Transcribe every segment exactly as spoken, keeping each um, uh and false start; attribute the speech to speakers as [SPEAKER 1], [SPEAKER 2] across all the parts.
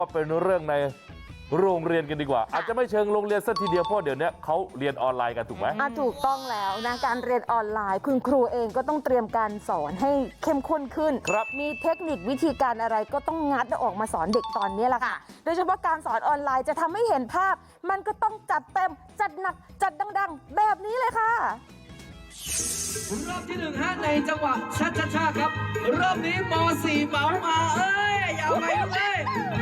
[SPEAKER 1] ก็เป็นเรื่องในโรงเรียนกันดีกว่าอาจจะไม่เชิงโรงเรียนสักทีเดียวเพราะเดี๋ยวนี้เขาเรียนออนไลน์กันถูกไหม
[SPEAKER 2] อ่ะถูกต้องแล้วนะการเรียนออนไลน์คุณครูเองก็ต้องเตรียมการสอนให้เข้มข้นขึ้น
[SPEAKER 1] ครับ
[SPEAKER 2] มีเทคนิควิธีการอะไรก็ต้องงัดออกมาสอนเด็กตอนนี้แหละค่ะโดยเฉพาะการสอนออนไลน์จะทำให้เห็นภาพมันก็ต้องจัดเต็มจัดหนักจัดดังๆแบบนี้เลยค่ะ
[SPEAKER 3] รอบที่หนึ่งฮะในจังหวะชัดชาครับรอบนี้ม .สี่ เหมามาเอ้ยอย่าไปเลย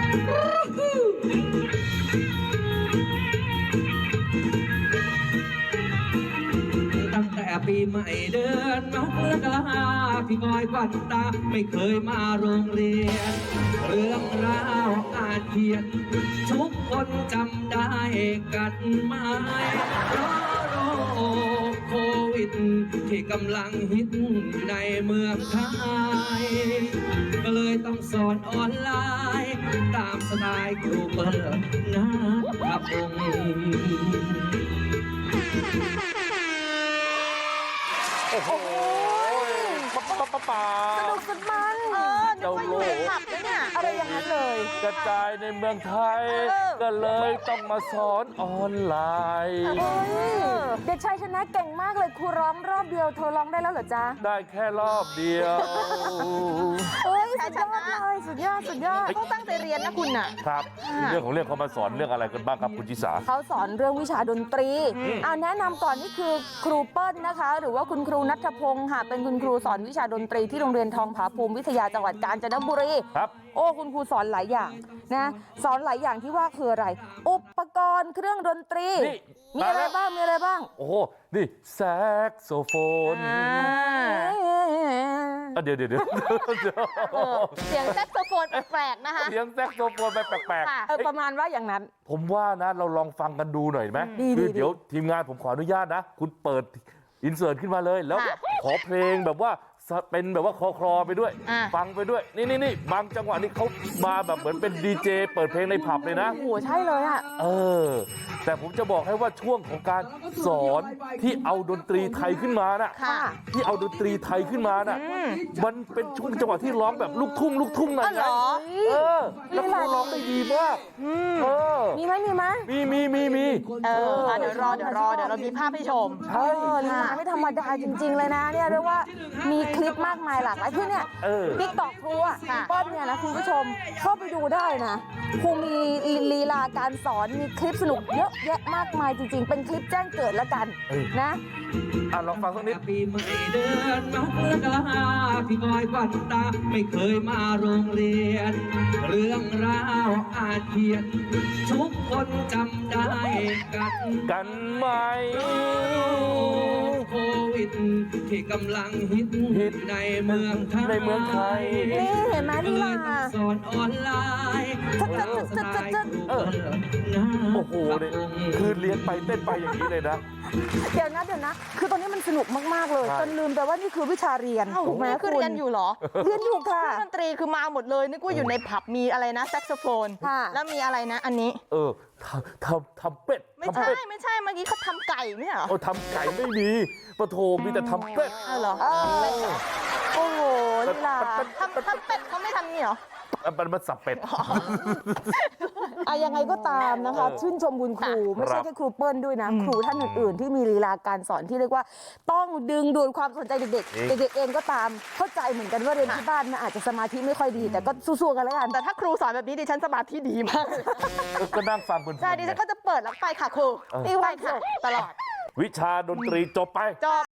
[SPEAKER 3] ตั้งแต่ปีใหม่เดือนมกราพี่คอยควันตาไม่เคยมาโรงเรียนเรื่องราวอาจเขียนทุกคนจำได้กันไหมเพราะโรคโควิดที่กำลังฮิตอยู่ในเมืองไทยก็เลยต้องสอนออนไลน์ตามสไตล์ครูเปิดนะครับผม
[SPEAKER 1] โอ้โหป๊าป๊าป๊าป๊า
[SPEAKER 2] สนุกสุดมันเออนึกว่าอยู่ในผับนะเนี่ยอะไรอย่างนั้นเลย
[SPEAKER 1] กระจายในเมืองไทยก็เลยต้องมาสอนออนไลน์
[SPEAKER 2] เด็กชายชนะเก่งมากเลยครูร้องรอบเดียวเธอร้องได้แล้วเหรอจ๊ะ
[SPEAKER 1] ได้แค่รอบเดียว
[SPEAKER 2] เอ้ยสุดยอดเลยสุดยอดสุดยอดต้องตั้งใจเรียนนะคุณน่ะ
[SPEAKER 1] ครับเรื่องของเรื่องเขามาสอนเรื่องอะไรกันบ้างครับคุณจิสา
[SPEAKER 2] เขาสอนเรื่องวิชาดนตรีเอาแนะนำก่อนนี่คือครูเปิ้ลนะคะหรือว่าคุณครูณัฐพงศ์ค่ะเป็นคุณครูสอนวิชาดนตรีที่โรงเรียนทองผาภูมิวิทยาจังหวัดกาญจนบุรี
[SPEAKER 1] ครับ
[SPEAKER 2] โอ้คุณครูสอนหลายอย่างนะสอนหลายอย่างที่ว่าคืออะไรอุปกรณ์เครื่องดนตรีมีอะไรบ้างมีอะไรบ้าง
[SPEAKER 1] โอ้โหนี่แซกโซโฟนเดี๋ยวเดี๋ยวเดี๋ยว
[SPEAKER 2] เสียงแซกโซโฟนแปลกๆนะคะ
[SPEAKER 1] เสียงแซกโซโฟนไปแปลก
[SPEAKER 2] ๆเออประมาณว่าอย่างนั้น
[SPEAKER 1] ผมว่านะเราลองฟังกันดูหน่อยไหมคือเดี๋ยวทีมงานผมขออนุญาตนะคุณเปิดอินเสิร์ตขึ้นมาเลยแล้วขอเพลงแบบว่าเป็นแบบว่าคอคลอไปด้วยฟังไปด้วยนี่นี่นี่บางจังหวะนี่เขามาแบบเหมือนเป็นดีเจเปิดเพลงในผับเลยนะ
[SPEAKER 2] โอ้โหใช่เลยอ่ะ
[SPEAKER 1] เออแต่ผมจะบอกให้ว่าช่วงของการสอนที่เอาดนตรีไทยขึ้นมาน่ะที่เอาดนตรีไทยขึ้นมาน่ะมันเป็นช่วงจังหวะที่ร้องแบบลูกทุ่งลูกทุ่งหน่อยนะเออแล้วเขาร้องได้ดีมากเออ
[SPEAKER 2] มีไหมมีไหม
[SPEAKER 1] มีมีมีมี
[SPEAKER 2] เออเดี๋ยวรอเดี๋ยวรอเดี๋ยวเรามีภาพให้ชม
[SPEAKER 1] ใช่
[SPEAKER 2] ลีลาไม่ธรรมดาจริงๆเลยนะเนี่ยเรียกว่ามีคลิปมากมายหลากหลายคือเนี่ยติ๊กต็อกครูอ่ะเปิ้ลเนี่ยนะคุณผู้ชมเข้าไปดูได้นะครูมีลีลาการสอนมีคลิปสนุกเยอะแยะมากมายจริงๆเป็นคลิปแจ้งเกิดแล้วกันนะ
[SPEAKER 1] อ่ะลองฟังสักนิด
[SPEAKER 3] ปีใหม่เดือนมกราพี่คอยควันตาไม่เคยมาโรงเรียนเรื่องราวอาจเขียนทุกคนจำได้กัน
[SPEAKER 1] กันไหม
[SPEAKER 3] โควิดที่กำลังฮิตในเมืองไทย
[SPEAKER 1] ในเมืองไทย
[SPEAKER 2] นี่เห็นไหมนี่ล่ะ
[SPEAKER 3] สอนออนไลน์
[SPEAKER 2] จัดจัดจัดจัดจัด
[SPEAKER 1] เออโอ้โหเนี่ยคือเลี้ยงไปเต้นไปอย่างนี้เลยนะ
[SPEAKER 2] เดี๋ยวนะเดี๋ยวนะคือตอนนี้มันสนุกมากๆเลยจนลืมไปว่านี่คือวิชาเรียนถูกไหมคือเรียนอยู่เหรอเรียนอยู่ค่ะดนตรีคือมาหมดเลยนึกว่าอยู่ในผับมีอะไรนะแซกโซโฟนแล้วมีอะไรนะอันนี้
[SPEAKER 1] เออทำทำทำเป็ด
[SPEAKER 2] ไม่ใช่ไม่ใช่เมื่อกี้เขาทำไก่ไม่ใช่เหรอ
[SPEAKER 1] โอ้ทำไก่ไม่มีปะโถมีแต่ทำเป็ด
[SPEAKER 2] เหรอโอ้โหลีลาทำทำเป็ดเขาไม่ทำนี่เหรอ
[SPEAKER 1] มันมันสับเป็ด
[SPEAKER 2] อะยังไงก็ตามนะคะชื่นชมคุณครูไม่ใช่แค่ครูเปิ้ลด้วยนะครูท่านอื่นๆที่มีลีลาการสอนที่เรียกว่าต้องดึงดูดความสนใจเด็กๆเด็กๆเองก็ตามเข้าใจเหมือนกันว่าเรียนที่บ้านนะอาจจะสมาธิไม่ค่อยดีแต่ก็สู้ๆกันแล้วกันแต่ถ้าครูสอนแบบนี้ดิฉันสมาธิดีมาก
[SPEAKER 1] ก็นั่งฟังคุณ
[SPEAKER 2] ใช่ดิฉันก็จะเปิดแล้วไปค่ะครูนี่ไปค่ะตลอด
[SPEAKER 1] วิชาดนตรีจบไป
[SPEAKER 2] จบ